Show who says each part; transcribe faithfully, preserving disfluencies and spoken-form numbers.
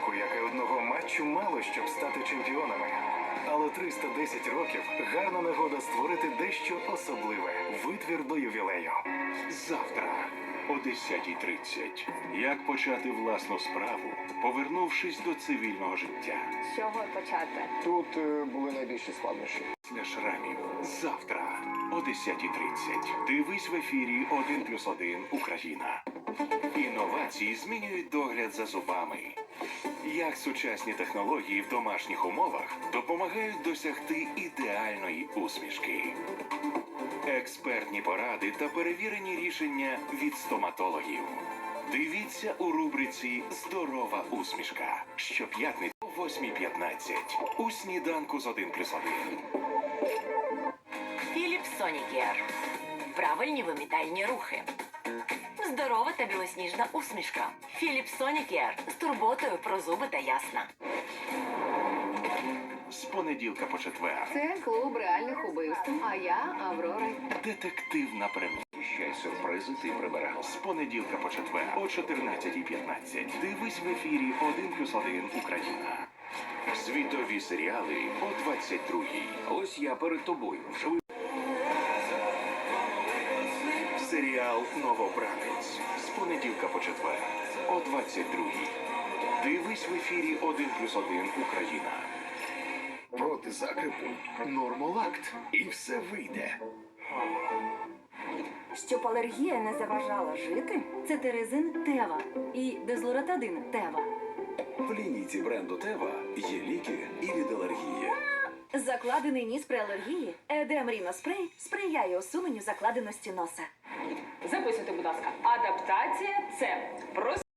Speaker 1: року, як і одного матчу, мало щоб стати чемпіонами. Але триста десять років – гарна нагода створити дещо особливе. Витвір до ювілею.
Speaker 2: Завтра о десятій тридцять. Як почати власну справу, повернувшись до цивільного життя.
Speaker 3: З чого почати?
Speaker 4: Тут е, були найбільші складнощі.
Speaker 2: Для шрамів. Завтра о десятій тридцять. Дивись в ефірі один плюс один Україна. Інновації змінюють догляд за зубами. Як сучасні технології в домашніх умовах допомагають досягти ідеальної усмішки. Експертні поради та перевірені рішення від стоматологів. Дивіться у рубриці «Здорова усмішка» щоп'ятниці о восьмій п'ятнадцять у сніданку з один плюс один.
Speaker 5: Філіп Сонікер. Правильні вимітальні рухи. Здорова та білосніжна усмішка. Філіп Сонікер з турботою про зуби та ясна.
Speaker 2: З понеділка по четвер.
Speaker 3: Це клуб реальних убивств, а я Аврора.
Speaker 2: Детективна прем'єра. Ще сюрпризи ти прибирав. З понеділка по четвер о чотирнадцятій п'ятнадцять. Дивись в ефірі один плюс один Україна. Світові серіали о двадцять другій. Ось я перед тобою. Живий. Серіал «Новобранець» з понеділка по четвер о двадцять другій. Дивись в ефірі один плюс один Україна.
Speaker 4: Проти закрипу нормолакт. І все вийде.
Speaker 6: Щоб алергія не заважала жити, це терезин Тева і дезлоратадин Тева.
Speaker 7: В лінійці бренду Тева є ліки і від алергії.
Speaker 6: Закладений ніс при алергії Едем Ріноспрей сприяє усуненню закладеності носа.
Speaker 8: Записуйте, будь ласка. Адаптація – це просто...